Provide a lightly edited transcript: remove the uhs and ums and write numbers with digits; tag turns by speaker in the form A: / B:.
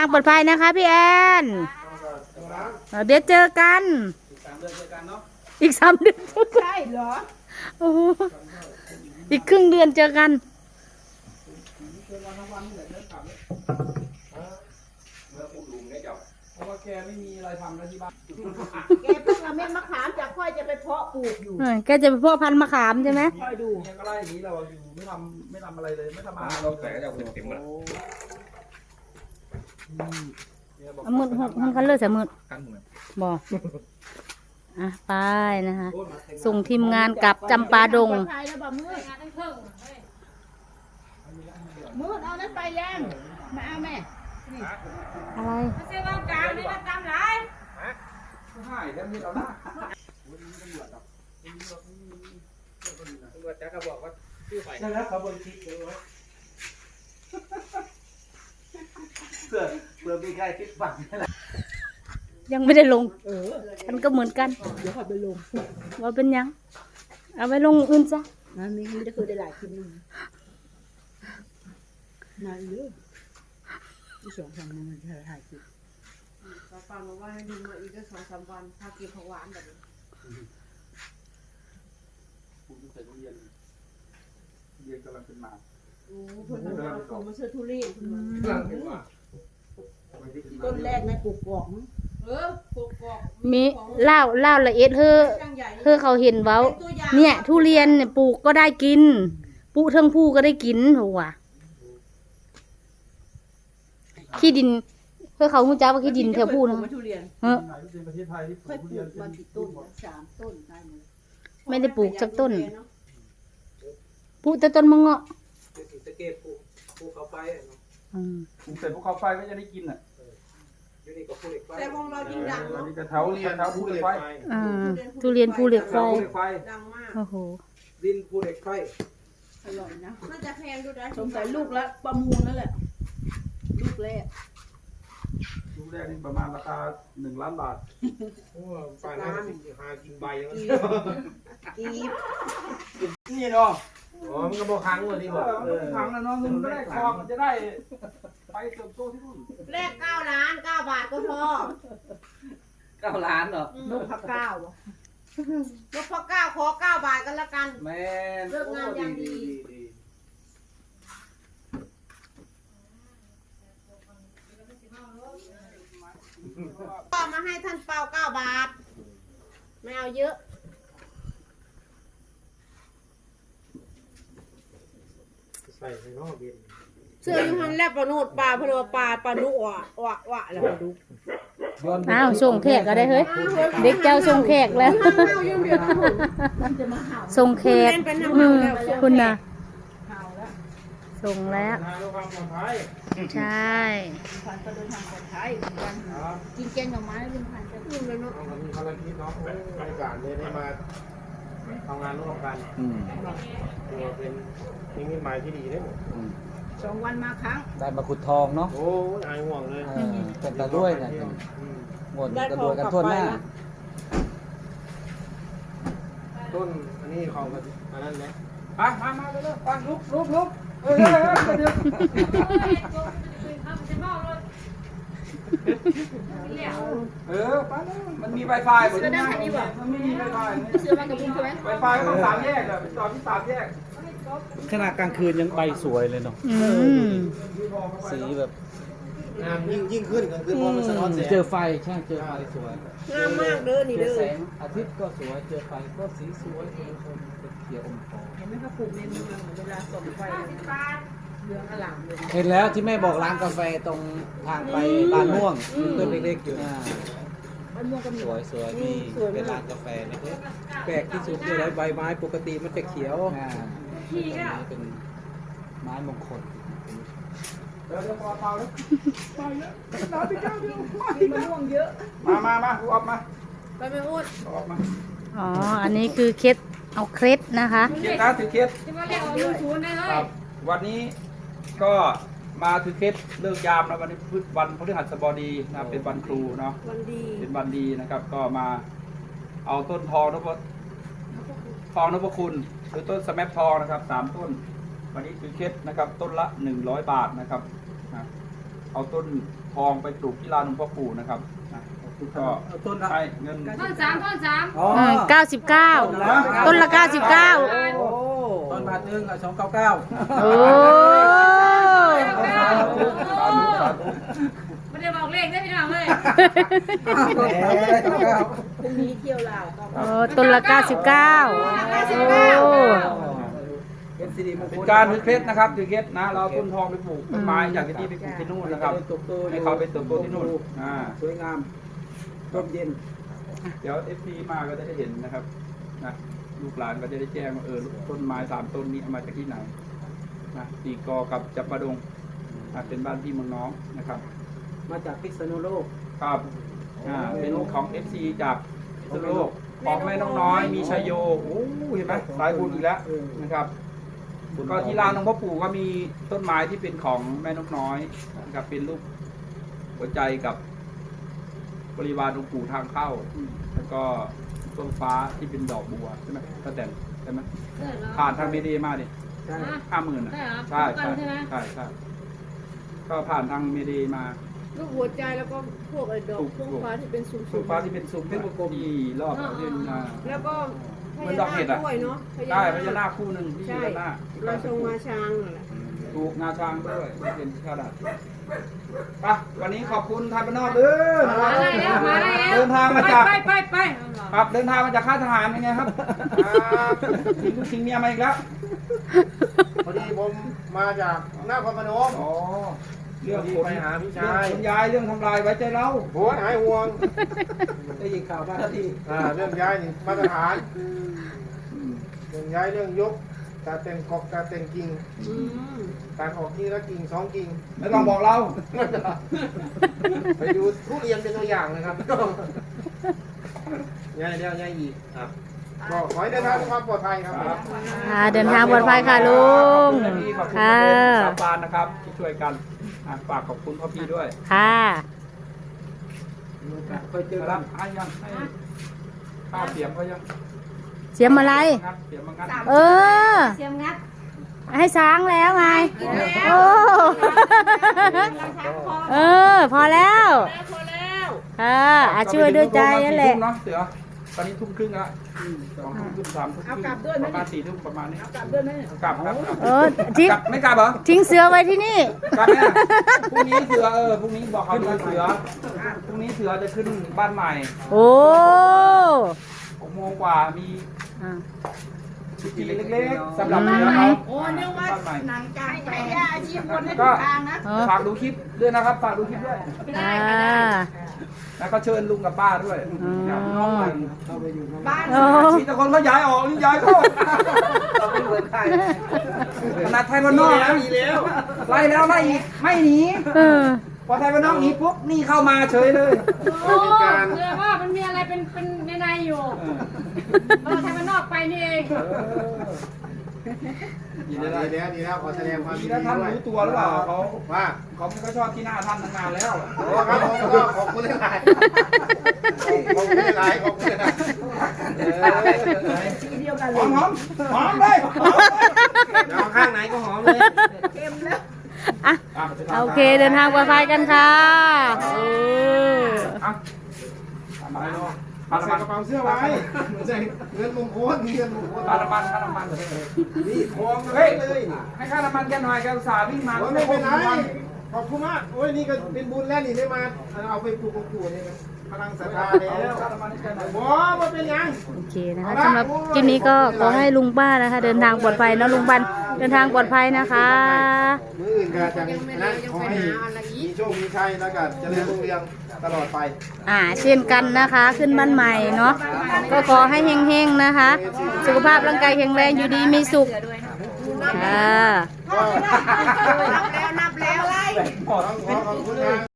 A: างปลอดภัยนะคะพี่แอนเดี๋ยวเจอกันอีก3 เดือน
B: ใช่เหรอ
A: โอ้อีกครึ่งเดือนเจอกัน
C: เพราะว่าแกไม่มีอะไรทำแล้วที่บ้าน
B: แกเพิ่งเอาเม็ดมะขามจากค่อยจะไปเพาะปลูกอยู่
A: แกจะไปเพาะพันธุ์มะขามใช่ไหม
B: ค่อยดู
C: แกก็ไล่อย่างนี้เราอยู่ไม่ทำอะไรเลยไม่ทำอาหาร
D: เราแต่ก็จะเต็มๆแล้ว
A: มืดหุ่นคันเลือดใส่มืด
D: กันเหมือน
A: บอกไปนะคะส่งทีมงานกลับจำปาดง
B: มืดเอานั้นไปยังมาเอาแม่
A: อะไร
B: ไม่ใช่ว่ากลางนี่มาตามหลาย
C: ใช่แล้วมีเอาหน้า
D: ตำรวจจะก็บอกว่าชื่อไฟ
C: ใช่แล้วเขาบริคิดเลยว่าเพื่อมีใครคิดฝันนี่แหละ
A: ยังไม่ได้ลงฉันก็เหมือนกัน
B: เดี๋ยวขอไปลง
A: ว่าเป็นยังเอาไปลงอื่นจ้ะ
B: นั่นนี่ไม่ได้เคยได้หลายคลิปนึงมาเยอะที่2-3 วันมันถ่ายคลิป
E: ฟังมาว่าให้ดูมาอีก2-3 วันถ้าเก็บผักหวานแบบนี้
C: คุณใส่เรียนกำลังเป็นมา
E: โอ้เพิ่นเอาของมาเชื่อทุเรียนคุณ
B: ต้นแรกในปลูกกอก
E: ปลูกกอก
A: มีเล่าละเอียดเธอเขาเห็นเว้าเนี่ยทุเรียนเนี่ยปลูกก็ได้กินปลูกทั้งผู้ก็ได้กินหัวขี้ดินเพื่อเขาหูจ้าว่าขี้ดินแถวผู้นะ
C: ประเทศไทยที่ปลูกทุเรียน
B: มากี่ต้น3 ต้นได้หมด
A: ไม่ได้ปลูกสักต้นปลูกแต่ต้นมะเงาะ
D: ตะเกียบภูเขาไฟ
C: ปลูกเสร็จภูเขาไฟก็จะได้กินอ่ะ
D: อยู่นี่ก็ภูเหล็กไฟ
E: แต่วงเรายิ่งดัง
C: นี่ก็แถวเรียนแถวภูเหล็กไฟ
A: ทุเรียนภูเหล็กไฟ
E: ดังมาก
A: โอ้โห
D: ดินภูเหล็กไฟ
B: อร่อยนะ
E: น่าจะแพงดูนะ
B: สงสัยลูกละประมูลนั่นแหละลูกแรก
C: นี่ประมาณราคา1 ล้านบาท
D: โอ้ป่านนั้นหากินใบแล้ว
C: นี่เนาะ
D: อ๋อมันก็บอกครั้งเลยดีกว่า
C: ครั้งแล้วเนาะมันก็ได้คลองมันจะได้ไปเติบโตที่นู่น
E: แรก9 ล้าน 9 บาทก็พอ
D: 9 ล้านเหรอ
B: ลูกพัก9
E: ยกพอ9ขอ9 บาทกันละกัน
C: แม่
E: เลิกงานอย่างดีก็มาให้ท่านเปา9 บาทไม่เอาเยอะ
D: ใส่ในห้องเบียน
E: เสื้อยูฮันแลบปลาโนดปลาพะโลปลาดุวะแล้วดู
A: อ้าวส่งแขกก็ได้เฮ้ยเด็กเจ้าส่งแขกแล้วส่งแขกคุณนะส่งแล้วใช่
B: พันก็เดินทางปลอดภัยกินแกงหน่อไม้ลุงพันจะกินเลยเนาะ
D: มีภารกิจเนาะบรรยากาศเลยได้มาทำงานร่วมกันตัวเป็นนิมิตหมายที่ดีได้หมด
B: 2 วันมาครั้ง
F: ได้มาขุดทองเนาะ
D: โอ้ยห่วงเลย
F: เป็นตาด้วยนะหมดกระโดดกันทั่วหน้า
D: ต้นอันนี้ของอันนั้นไหม
C: มาไปเลยลุกไปแล้วมันมี Wi-Fi หมดเลยมันไม่มี Wi-Fi
B: เสื้อมากับลุงใช่ไหม
C: Wi-Fi ก็ต้อง3 แยกเลยจอดที่3 แยก
F: ขนาดกลางคืนยังใบสวยเลยเนาะสีแบบ
D: งามยิ่งขึ้นก็คือพอมันสะท้อนแสง
F: เจอไฟใช่เจอไฟสวย
E: งามมากเด้อนี่เด้อ
F: แสงอาทิตย์ก็สวยเจอไฟก็สีสวยเป็นเขียวอมทอง
B: เห็นไหมเขาปลูกในเมืองเวลาส่องไฟเรืองอลามเลย
F: เห็นแล้วที่แม่บอกร้านกาแฟตรงทางไปบ้านม่วงต้นเล็กๆอยู่
B: บ้านม่วงก็มี
F: สวยๆนี่เป็นร้านกาแฟนะ
D: แปลกที่สุดเลยใบไม้ปกติมันจะเขียว
F: ที่นี่เป็นไม้มงคล
C: เดี๋ยวพอเปล่าแล้วไปแล้วน้ำไปเจ้าเดียว
B: กินมะม่วงเยอะ
C: มากูออกมา
E: ไปไม่พูด
C: ออกมา
A: อ๋ออันนี้คือเคล็ดเอาเคล็ดนะคะ
C: เคล็ดนะถือเคล็ด
E: จะมาเรียกเอา0ได้เลย
C: วันนี้ก็มาถือเคล็ดเลิกยามแล้ววันนี้วันพฤหัสบดีนะเป็นวันครูเนาะเป็นวันดีนะครับก็มาเอาต้นทองนพคุณหรือต้นสแมปทองนะครับ3 ต้นวันนี้ถือเคล็ดนะครับต้นละ100 บาทนะครับเอาต้นทองไปปลูกที่ลานหลวงพ่อปู่นะครับก็
F: เอาต้นละ
C: ให้เงิน
B: ต้นสาม
F: อ๋อ
A: 99ต้นละ99
F: โอ้ต้นบาทหนึงอ่ะ299
A: โอ้
B: ไม่ได้บอกเลขได้พี่น้องเลย
E: พรุ่งนี้เที่ยวลาวก็
A: โอ้ต้นละ99โอ้
F: เป็นสิริมงค
C: เป็น
F: ล
C: การถือเคล็ดนะครับถือเคล็ดนะเราเอาต้นทองไปปลูกต้นไม้อยากจะที่ไปปลูกที่นู่นนะครับให้เขาไปเติบโตที่นู่น
F: สวยงามร่มเย็น
C: เดี๋ยว FP มาก็จะได้เห็นนะครับนะลูกหลานก็จะได้แจ้งว่าต้นไม้3ต้นนี้เอามาจากที่ไหนนะตีกอกับจับประดงเป็นบ้านพี่เมืองน้องนะครับ
F: มาจากพิษณุโลก
C: ครับเป็นของ FC จากพิษณุโลกของแม่น้องน้อยมีชัยโยโอ้เห็นไหมสายบุญอีกแล้วนะครับก็ที่ลานหลวงพ่อปู่ก็มีต้นไม้ที่เป็นของแม่นกน้อยนะครับเป็นรูปหัวใจกับบริวารหลวงปู่ทางเข้าแล้วก็ต้นฟ้าที่เป็นดอกบัวใช่ไหมป้าแตนใช่ไหมผ่านทางเมเดมาดิ
F: ใช่
C: 50,000
B: ใช่เหรอ
C: ใช่
B: ใช่ไหม
C: ใช่ก็ผ่านทางเมเดมา
E: ลูกหัวใจแล้วก็พวกไอ้ดอกพวกฟ้าที่เป็นสูง
C: ต้นฟ้าที่เป็นซุ้มเป็นกลมที่รอบเส้น
E: ๆแล้วก็พ
C: เหมือน
E: ญา
C: ดอกเห็ด
E: นา
C: อะ
E: คด้วยเนาะ
C: ใช่พญานาคคู่หนึ่งที่อยู่ด้านหน้า
E: เราทรงมาช้างนั่นแหละ
C: ถูกงาช้างด้วยเป็นข้าวดัดไปวันนี้ขอบคุณไทยบ้านนอกเด้อ
B: มาได้แล้วมาได้แล้ว
C: เดินทางมาจาก
B: ไป
C: ครับเดินทางมาจากค่ายทหารเป็นไงครับทิ้งลูกทิ้งเมียมาอีกแล้ว
D: พอดีผมมาจากนครพนม
C: อ๋อเรื่อง
D: ไปหาพี่ชาย
C: คุณยายเรื่องทำลายไว้ใจเรา
D: โหหายห่วง
F: ได้ยินข่าวบ้านที่
D: เรื่องย้ายนี่มาตรฐานเรื่องย้ายเรื่องยกการแต่งกอกการแต่งกิ่งการออกกิ่งละกิ่ง2 กิ่ง
C: ไม่ต้องบอกเรา
D: ไปดูทุเรียนเป็นตัวอย่างนะครับย้ายแล้วย้ายอีกครับก็ขอให้เดินทางด้วยความปลอดภัยครับ
A: เดินทางปลอดภัยค่ะลุง
C: ขอบคุณพี่ขอบคุณ
A: ค่ะ
C: สาบานนะครับที่ช่วยกันฝากขอบคุณพ่อพี่ด้วย
A: ค่ะ
F: เคยเจอ
C: ค
F: กั
C: รั
F: น
C: บให้ยังให้ข้าวเสียมเขายัง
A: เสียมอะไร
C: งัดเสียมมางัด
A: เออ
B: เสียมงัด
A: ให้ช้างแล้วไงโอ้พอแล้ว
E: พอแล้ว
A: ค่ะช่วยด้วยใจนั่นแหละ
C: เนาะเสือตอนนี้ทุ่มครึ่งแล้ว2 ทุ่มครึ่ง3 ทุ่มครึ่งประมาณ4 ทุ่มประมาณนี้กลับด้วยไหมกลับครับ
A: ทิ้ง
C: กลับไม่กลับเหรอ
A: ทิ้งเสือไว้ที่นี่
C: กลับแม่พรุ่งนี้เสือพรุ่งนี้บอกเขาดูเสือพรุ่งนี้เสือจะขึ้นบ้านใหม่
A: โอ้
C: 6 โมงกว่ามีพิธีเล็กๆสำหรับเสือเขา
E: โอ้นึกว่า
C: บ้านใหม่
E: หนังกลางแปลงอาชีพคนให้
C: ก็
E: ทางนะ
C: ฝากดูคลิปด้วยนะครับฝากดูคลิปด้วย แล้วก็เชิญลุงกับป้าด้วยน้องใหม่
F: เข้าไปอยู่ข้าง
E: บ้าน
C: มีแต่คนเขาย้ายออกนี่ย้ายเข้า
F: เราไม่เหมือนใคร
C: ขนาดไทยบ้านนอกนะไล่แล้วไล่อีกไม่หนี พอไทยบ้านนอกหนีปุ๊บนี่เข้ามาเฉยเลย
B: โอ้เรียกว่ามันมีอะไรเป็นในอยู่เราทำมันนอกไปนี่เอง
C: ดี
D: ดี
C: แล้ว
D: แล้วขอแสดงความ
C: ดี
D: ยิน
C: แล้ว
D: ดี
C: ท่าน
D: ด้วย
C: รู้ตัวหรือเปล่าเขา
D: ว่า
C: เขาไม่ค่อยชอบที่หน้าท่านตั้งนานแล้ว
D: โอ้ครับผมก็ขอบคุณหลายขอบคุณหลายขอบคุณหลาย
C: หอมหอมเลยหอมเลย
D: เอาข้างไหนก็หอมเลย
A: โอเคเดินทางปลอดภัยกันค่ะเออ
C: มาเลย
D: ใส่กระเป๋าเสื้อไว้ใส่เงินมงคลเงินมงคล
C: ค่าน้ำมัน
D: นี่ทอง
C: เฮ้ย
D: เลย
C: ให้ค่าน้ำมันแกหน่อยแกอุตส่าห์วิ่งมา
D: ไม่เป็นไรขอบคุณมากโอ้ยนี่ก็เป็นบุญแล้วนี่ได้มาเอาไปปลูกของปู่นี่นะพลังศรัทธาแล้ว
C: ค่าน้ำมันให้แกหน่อย
D: บ่มาเป็นยัง
A: โอเคนะคะสำหรับคลิปนี้ก็ขอให้ลุงป้านะคะ เดินทางปลอดภัยเนาะลุงบันเดินทางปลอดภัยนะคะ
D: มืออื่นก็จะนั่นขอให้มีโชคมีชัยแล้วก็เจริญรุ่งเรืองตลอดไป
A: เช่นกันนะคะขึ้นบ้านใหม่เนาะก็ขอให้เฮงๆนะคะ สุขภาพร่างกายแข็งแรงอยู่ดีมีสุขค่ะ
E: นับแล้วอะไร
D: ขอบคุณนะ